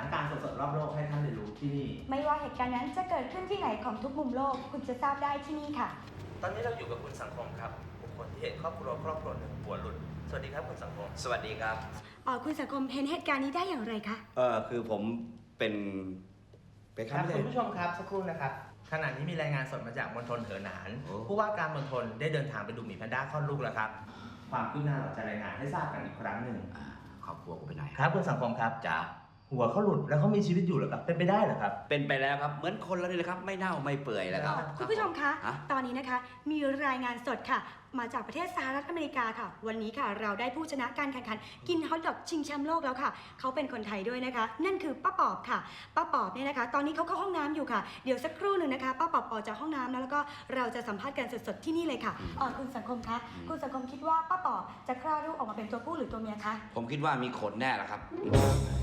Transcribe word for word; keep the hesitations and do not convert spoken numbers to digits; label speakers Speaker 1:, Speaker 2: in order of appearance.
Speaker 1: านการณ์สดๆรอบโลกให้ท่านเรียนรู้ที่นี่
Speaker 2: ไม่ว่าเหตุการณ์นั้นจะเกิดขึ้นที่ไหนของทุกมุมโลกคุณจะทราบได้ที่นี่ค่ะ
Speaker 1: ตอนนี้เราอยู่กับคุณสังคมครับบุคคลที่เห็นครอบครัวครอบครัวหนึ่งหัวหลุดสวัสดีครับคุณสังคม
Speaker 3: สวัสดีครับ
Speaker 2: อ๋อคุณสังคมเห็นเหตุการณ์นี้ได้อย่างไรคะ
Speaker 3: เออคือผมเป็นไปค
Speaker 1: ค
Speaker 3: รั
Speaker 1: รั
Speaker 3: บบ
Speaker 1: คุณผู้ชมครับสักครู่นะครับขณะนี้มีรายงานสดมาจากมณฑลเหอหนานผู้ว่าการมณฑลได้เดินทางไปดูหมีแพนด้าคลอดลูกแล้วครับความคืบหน้าเราจะรายงานให้ทราบกันอีกครั้งหนึ่ง
Speaker 3: ครอบครัวกูไปไหน
Speaker 1: ครับคุณสังคมครับ
Speaker 3: จ๋า
Speaker 1: หัวเขาหลุดแล้วเขามีชีวิตอยู่หรือครับเป็นไปได้เหรอครับ
Speaker 3: เป็นไปแล้วครับเหมือนคนแล้วนี่แหละครับไม่เน่าไม่เปื่อยแล้วครับ
Speaker 2: คุณผู้ชมคะ
Speaker 3: ฮะ
Speaker 2: ตอนนี้นะคะมีรายงานสดค่ะ มาจากประเทศสหรัฐอเมริกาค่ะ วันนี้ค่ะเราได้ผู้ชนะการแข่งขันกินฮอทดอกชิงแชมป์โลกแล้วค่ะเขาเป็นคนไทยด้วยนะคะ นั่นคือป้าปอบค่ะป้าปอบเนี่ยนะคะ ตอนนี้เขาเข้าห้องน้ำอยู่ค่ะเดี๋ยวสักครู่หนึ่งนะคะป้าปอบออกจากห้องน้ำแล้วก็เราจะสัมภาษณ์กันสดๆที่นี่เลยค่ะอ๋อคุณสังคมคะคุณสังคมคิดว่าป้าปอบจะคลอดลูกออกมาเป็นตัวผู้หรือตัวเมียคะ
Speaker 3: ผมคิดว่ามีขนแน่ละครับ